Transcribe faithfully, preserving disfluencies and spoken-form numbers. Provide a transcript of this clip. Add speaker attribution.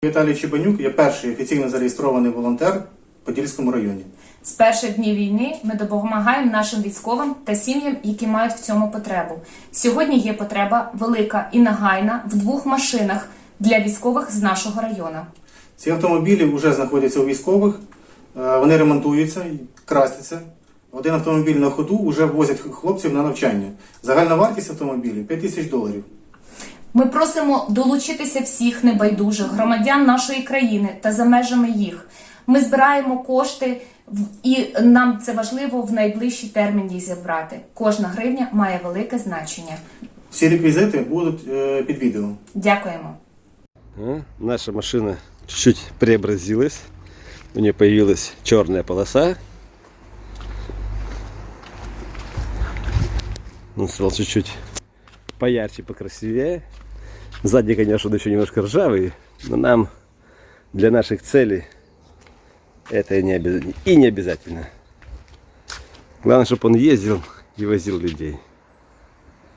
Speaker 1: Віталій Чебанюк є перший офіційно зареєстрований волонтер в Подільському районі.
Speaker 2: З перших днів війни ми допомагаємо нашим військовим та сім'ям, які мають в цьому потребу. Сьогодні є потреба велика і нагайна в двох машинах для військових з нашого району.
Speaker 1: Ці автомобілі вже знаходяться у військових, вони ремонтуються, красяться. Один автомобіль на ходу вже возять хлопців на навчання. Загальна вартість автомобілів – п'ять тисяч доларів.
Speaker 2: Ми просимо долучитися всіх небайдужих громадян нашої країни та за межами їх. Ми збираємо кошти і нам це важливо в найближчий термін їх зібрати. Кожна гривня має велике значення.
Speaker 1: Всі реквізити будуть під відео.
Speaker 2: Дякуємо.
Speaker 3: Наша машина чуть-чуть преобразилась. У нее появилась черная полоса. Он стал чуть-чуть поярче, покрасивее. Сзади, конечно, он еще немножко ржавый, но нам для наших целей это и не обязательно. И не обязательно. Главное, чтобы он ездил и возил людей.